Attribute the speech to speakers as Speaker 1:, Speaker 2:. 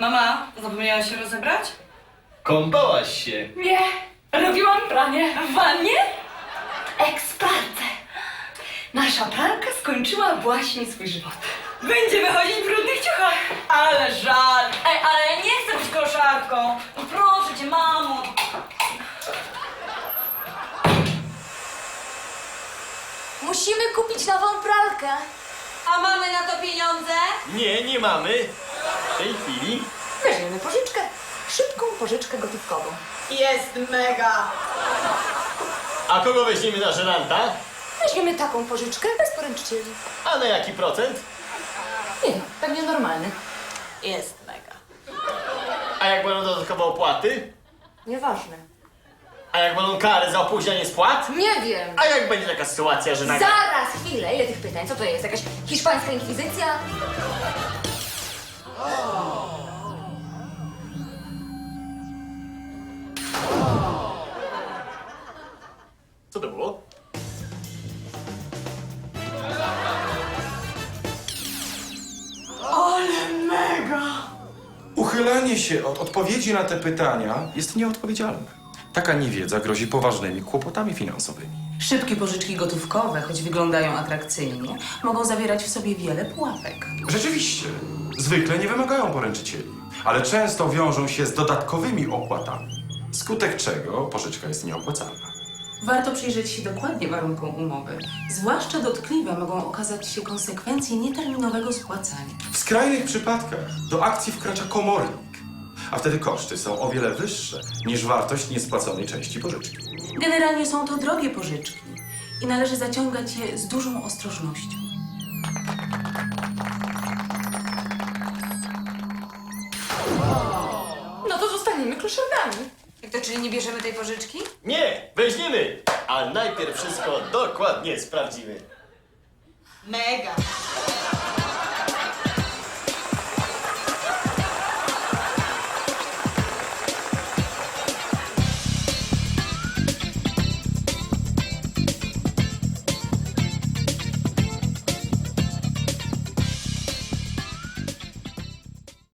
Speaker 1: Mama, zapomniałaś się rozebrać?
Speaker 2: Kąpałaś się.
Speaker 3: Nie, robiłam pranie w wannie. Eksperce. Nasza pralka skończyła właśnie swój żywot.
Speaker 1: Będzie wychodzić w brudnych ciuchach. Ale żal. Ej, ale ja nie chcę być koszarką. No proszę cię, mamo.
Speaker 4: Musimy kupić nową pralkę.
Speaker 1: A mamy na to pieniądze?
Speaker 2: Nie mamy. W tej chwili.
Speaker 4: Weźmiemy pożyczkę. Szybką pożyczkę gotówkową.
Speaker 1: Jest mega.
Speaker 2: A kogo weźmiemy na żeranta?
Speaker 4: Weźmiemy taką pożyczkę bez poręczycieli.
Speaker 2: A na jaki procent?
Speaker 4: Nie no, pewnie normalny.
Speaker 1: Jest mega.
Speaker 2: A jak będą dodatkowe opłaty?
Speaker 4: Nieważne.
Speaker 2: A jak będą kary za opóźnianie spłat?
Speaker 4: Nie wiem.
Speaker 2: A jak będzie taka sytuacja, że nagle...
Speaker 4: Zaraz, chwilę. Ile tych pytań? Co to jest? Jakaś hiszpańska inkwizycja?
Speaker 2: Co to było?
Speaker 5: Uchylanie się od odpowiedzi na te pytania jest nieodpowiedzialne. Taka niewiedza grozi poważnymi kłopotami finansowymi.
Speaker 6: Szybkie pożyczki gotówkowe, choć wyglądają atrakcyjnie, mogą zawierać w sobie wiele pułapek.
Speaker 5: Rzeczywiście, zwykle nie wymagają poręczycieli, ale często wiążą się z dodatkowymi opłatami, skutek czego pożyczka jest nieopłacalna.
Speaker 6: Warto przyjrzeć się dokładnie warunkom umowy. Zwłaszcza dotkliwe mogą okazać się konsekwencje nieterminowego spłacania.
Speaker 5: W skrajnych przypadkach do akcji wkracza komornik, a wtedy koszty są o wiele wyższe niż wartość niespłaconej części pożyczki.
Speaker 6: Generalnie są to drogie pożyczki i należy zaciągać je z dużą ostrożnością.
Speaker 4: No to zostaniemy kloszardami.
Speaker 1: Jak to, czyli nie bierzemy tej pożyczki?
Speaker 2: Nie, weźmiemy! Ale najpierw wszystko dokładnie sprawdzimy.
Speaker 1: Mega.